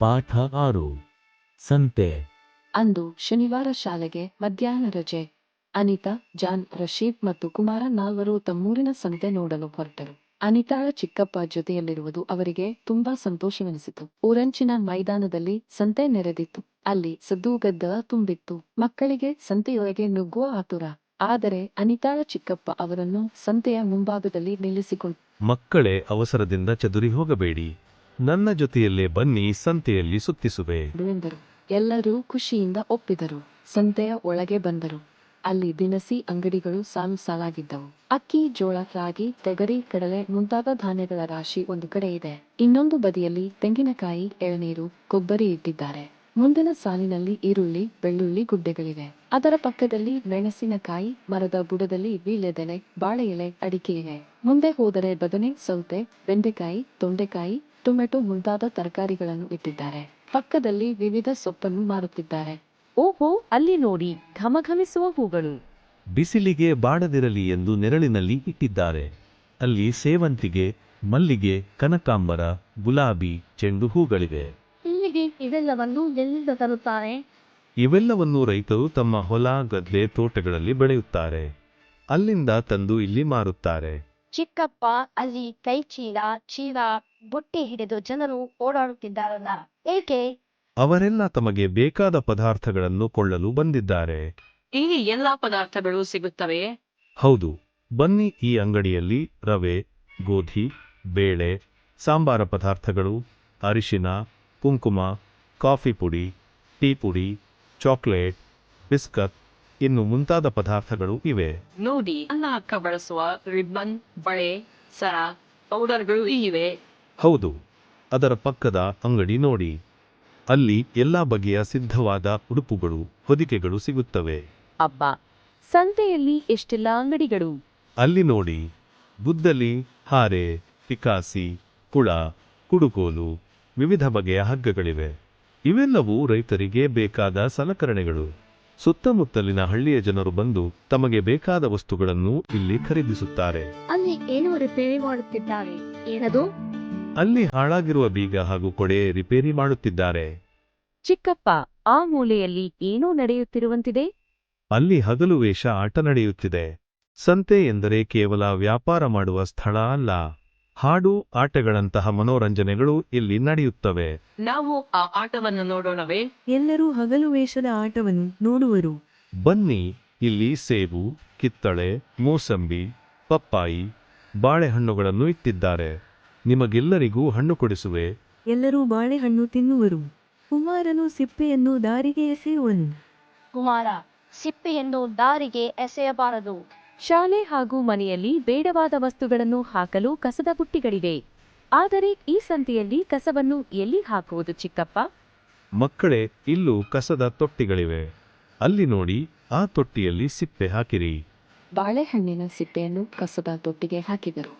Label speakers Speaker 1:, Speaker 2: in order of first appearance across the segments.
Speaker 1: ಪಾಠ 6 ಸಂತೆ.
Speaker 2: ಅಂದು ಶನಿವಾರ ಶಾಲೆಗೆ ಮಧ್ಯಾಹ್ನ ರಜೆ. ಅನಿತಾ, ಜಾನ್, ರಶೀದ್ ಮತ್ತು ಕುಮಾರ ನಾಲ್ವರು ತಮ್ಮೂರಿನ ಸಂತೆ ನೋಡಲು ಹೊರಟರು. ಅನಿತಾಳ ಚಿಕ್ಕಪ್ಪ ಜೊತೆಯಲ್ಲಿರುವುದು ಅವರಿಗೆ ತುಂಬಾ ಸಂತೋಷವೆನಿಸಿತು. ಊರಂಚಿನ ಮೈದಾನದಲ್ಲಿ ಸಂತೆ ನೆರೆದಿತ್ತು. ಅಲ್ಲಿ ಸದ್ದು ಗದ್ದಲ ತುಂಬಿತ್ತು. ಮಕ್ಕಳಿಗೆ ಸಂತೆಯೊಳಗೆ ನುಗ್ಗುವ ಆತುರ. ಆದರೆ ಅನಿತಾಳ ಚಿಕ್ಕಪ್ಪ ಅವರನ್ನು ಸಂತೆಯ ಮುಂಭಾಗದಲ್ಲಿ ನಿಲ್ಲಿಸಿಕೊಂಡು,
Speaker 3: ಮಕ್ಕಳೇ, ಅವಸರದಿಂದ ಚದುರಿ ಹೋಗಬೇಡಿ, ನನ್ನ ಜೊತೆಯಲ್ಲೇ ಬನ್ನಿ, ಸಂತೆಯಲ್ಲಿ ಸುತ್ತಿಸುವೆ
Speaker 2: ಎಂದರು. ಎಲ್ಲರೂ ಖುಷಿಯಿಂದ ಒಪ್ಪಿದರು. ಸಂತೆಯ ಒಳಗೆ ಬಂದರು. ಅಲ್ಲಿ ದಿನಸಿ ಅಂಗಡಿಗಳು ಸಾಲು ಸಾಲಾಗಿದ್ದವು. ಅಕ್ಕಿ, ಜೋಳ, ರಾಗಿ, ತೆಗರಿ, ಕಡಲೆ ಮುಂತಾದ ಧಾನ್ಯಗಳ ರಾಶಿ ಒಂದು ಕಡೆ ಇದೆ. ಇನ್ನೊಂದು ಬದಿಯಲ್ಲಿ ತೆಂಗಿನಕಾಯಿ, ಎಳನೀರು, ಕೊಬ್ಬರಿ ಇಟ್ಟಿದ್ದಾರೆ. ಮುಂದಿನ ಸಾಲಿನಲ್ಲಿ ಈರುಳ್ಳಿ, ಬೆಳ್ಳುಳ್ಳಿ ಗುಡ್ಡೆಗಳಿವೆ. ಅದರ ಪಕ್ಕದಲ್ಲಿ ಮೆಣಸಿನಕಾಯಿ, ಮರದ ಬುಡದಲ್ಲಿ ವೀಳ್ಯದೆಲೆ, ಬಾಳೆ ಎಲೆ, ಅಡಿಕೆ ಇವೆ. ಮುಂದೆ ಹೋದರೆ ಬದನೆ, ಸೌತೆ, ಬೆಂಡೆಕಾಯಿ, ತೊಂಡೆಕಾಯಿ, ಟೊಮೆಟೊ ಮುಂತಾದ ತರಕಾರಿಗಳನ್ನು ಇಟ್ಟಿದ್ದಾರೆ. ಪಕ್ಕದಲ್ಲಿ ವಿವಿಧ ಸೊಪ್ಪನ್ನು ಮಾರುತ್ತಿದ್ದಾರೆ.
Speaker 4: ಓಹೋ, ಅಲ್ಲಿ ನೋಡಿ, ಘಮಘಮಿಸುವ ಹೂಗಳು.
Speaker 3: ಬಿಸಿಲಿಗೆ ಬಾಡದಿರಲಿ ಎಂದು ನೆರಳಿನಲ್ಲಿ ಇಟ್ಟಿದ್ದಾರೆ. ಅಲ್ಲಿ ಸೇವಂತಿಗೆ, ಮಲ್ಲಿಗೆ, ಕನಕಾಂಬರ, ಗುಲಾಬಿ, ಚೆಂಡು ಹೂಗಳಿವೆ.
Speaker 5: ಇಲ್ಲಿಗೆ ಇವೆಲ್ಲವನ್ನು ಎಲ್ಲಿಂದ ತರುತ್ತಾರೆ?
Speaker 3: ಇವೆಲ್ಲವನ್ನು ರೈತರು ತಮ್ಮ ಹೊಲ, ಗದ್ದೆ, ತೋಟಗಳಲ್ಲಿ ಬೆಳೆಯುತ್ತಾರೆ. ಅಲ್ಲಿಂದ ತಂದು ಇಲ್ಲಿ ಮಾರುತ್ತಾರೆ.
Speaker 5: ಚಿಕ್ಕಪ್ಪ, ಅಲ್ಲಿ ಕೈ ಚೀಲ ಬುಟ್ಟಿ ಹಿಡಿದು ಜನರು ಓಡಾಡುತ್ತಿದ್ದಾರಲ್ಲ, ಏಕೆ?
Speaker 3: ಅವರೆಲ್ಲ ತಮಗೆ ಬೇಕಾದ ಪದಾರ್ಥಗಳನ್ನು ಕೊಳ್ಳಲು ಬಂದಿದ್ದಾರೆ.
Speaker 4: ಇಲ್ಲಿ ಎಲ್ಲಾ ಪದಾರ್ಥಗಳು ಸಿಗುತ್ತವೆ.
Speaker 3: ಹೌದು, ಬನ್ನಿ, ಈ ಅಂಗಡಿಯಲ್ಲಿ ರವೆ, ಗೋಧಿ, ಬೇಳೆ, ಸಾಂಬಾರ ಪದಾರ್ಥಗಳು, ಅರಿಶಿನ, ಕುಂಕುಮ, ಕಾಫಿ ಪುಡಿ, ಟೀ ಪುಡಿ, ಚಾಕ್ಲೇಟ್, ಬಿಸ್ಕತ್ ಇನ್ನು ಮುಂತಾದ ಪದಾರ್ಥಗಳು ಇವೆ.
Speaker 4: ನೋಡಿ, ಅನ್ನ ಅಕ್ಕ ಬಳಸುವ ರಿಬ್ಬನ್, ಬಳೆ, ಸರ, ಪೌಡರ್ಗಳು ಇವೆ.
Speaker 3: ಹೌದು, ಅದರ ಪಕ್ಕದ ಅಂಗಡಿ ನೋಡಿ, ಅಲ್ಲಿ ಎಲ್ಲ ಬಗೆಯ ಸಿದ್ಧವಾದ ಉಡುಪುಗಳು, ಹೊದಿಕೆಗಳು ಸಿಗುತ್ತವೆ.
Speaker 4: ಅಬ್ಬಾ, ಸಂತೆಯಲ್ಲಿ ಎಷ್ಟೆಲ್ಲ ಅಂಗಡಿಗಳು!
Speaker 3: ಅಲ್ಲಿ ನೋಡಿ, ಗುದ್ದಲಿ, ಹಾರೆ, ಪಿಕಾಸಿ, ಕುಳ, ಕುಡುಕೋಲು, ವಿವಿಧ ಬಗೆಯ ಹಗ್ಗಗಳಿವೆ. ಇವೆಲ್ಲವೂ ರೈತರಿಗೆ ಬೇಕಾದ ಸಲಕರಣೆಗಳು. ಸುತ್ತಮುತ್ತಲಿನ ಹಳ್ಳಿಯ ಜನರು ಬಂದು ತಮಗೆ ಬೇಕಾದ ವಸ್ತುಗಳನ್ನು ಇಲ್ಲಿ ಖರೀದಿಸುತ್ತಾರೆ.
Speaker 5: ಅಲ್ಲಿ ಏನು ರಿಪೇರಿ ಮಾಡುತ್ತಿದ್ದಾರೆ? ಏನದು?
Speaker 3: ಅಲ್ಲಿ ಹಾಳಾಗಿರುವ ಬೀಗ ಹಾಗೂ ಕೊಡೆ ರಿಪೇರಿ ಮಾಡುತ್ತಿದ್ದಾರೆ.
Speaker 4: ಚಿಕ್ಕಪ್ಪ, ಆ ಮೂಲೆಯಲ್ಲಿ ಏನೋ ನಡೆಯುತ್ತಿರುವಂತಿದೆ.
Speaker 3: ಅಲ್ಲಿ ಹಗಲು ವೇಷ ಆಟ ನಡೆಯುತ್ತಿದೆ. ಸಂತೆ ಎಂದರೆ ಕೇವಲ ವ್ಯಾಪಾರ ಮಾಡುವ ಸ್ಥಳ ಅಲ್ಲ, ಹಾಡು, ಆಟಗಳಂತಹ ಮನೋರಂಜನೆಗಳು ಇಲ್ಲಿ ನಡೆಯುತ್ತವೆ.
Speaker 4: ನಾವು ಆ ಆಟವನ್ನು ನೋಡೋಣವೇ?
Speaker 6: ಎಲ್ಲರೂ ಹಗಲು ವೇಷದ ಆಟವನ್ನು ನೋಡುವರು.
Speaker 3: ಬನ್ನಿ, ಇಲ್ಲಿ ಸೇಬು, ಕಿತ್ತಳೆ, ಮೂಸಂಬಿ, ಪಪ್ಪಾಯಿ, ಬಾಳೆಹಣ್ಣುಗಳನ್ನು ಇಟ್ಟಿದ್ದಾರೆ. ನಿಮಗೆಲ್ಲರಿಗೂ ಹಣ್ಣು ಕೊಡಿಸುವೆ.
Speaker 6: ಎಲ್ಲರೂ ಬಾಳೆಹಣ್ಣು ತಿನ್ನುವರು. ಕುಮಾರನು ಸಿಪ್ಪೆಯನ್ನು ದಾರಿಗೆ ಎಸೆಯುವನು.
Speaker 5: ಕುಮಾರ, ಸಿಪ್ಪೆಯನ್ನು ದಾರಿಗೆ ಎಸೆಯಬಾರದು.
Speaker 4: ಶಾಲೆ ಹಾಗೂ ಮನೆಯಲ್ಲಿ ಬೇಡವಾದ ವಸ್ತುಗಳನ್ನು ಹಾಕಲು ಕಸದ ಬುಟ್ಟಿಗಳಿವೆ. ಆದರೆ ಈ ಸಂತೆಯಲ್ಲಿ ಕಸವನ್ನು ಎಲ್ಲಿ ಹಾಕುವುದು ಚಿಕ್ಕಪ್ಪ?
Speaker 3: ಮಕ್ಕಳೇ, ಇಲ್ಲೂ ಕಸದ ತೊಟ್ಟಿಗಳಿವೆ. ಅಲ್ಲಿ ನೋಡಿ, ಆ ತೊಟ್ಟಿಯಲ್ಲಿ ಸಿಪ್ಪೆ ಹಾಕಿರಿ.
Speaker 2: ಬಾಳೆಹಣ್ಣಿನ ಸಿಪ್ಪೆಯನ್ನು ಕಸದ ತೊಟ್ಟಿಗೆ ಹಾಕಿದರು.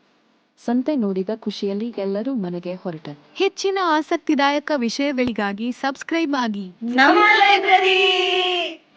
Speaker 2: ಸಂತೆ ನೋಡಿದ ಖುಷಿಯಲ್ಲಿ ಎಲ್ಲರೂ ಮನೆಗೆ ಹೊರಟರು.
Speaker 7: ಹೆಚ್ಚಿನ ಆಸಕ್ತಿದಾಯಕ ವಿಷಯಗಳಿಗಾಗಿ ಸಬ್ಸ್ಕ್ರೈಬ್ ಆಗಿ.
Speaker 8: ನಮ್ಮ ಲೈಬ್ರರಿ.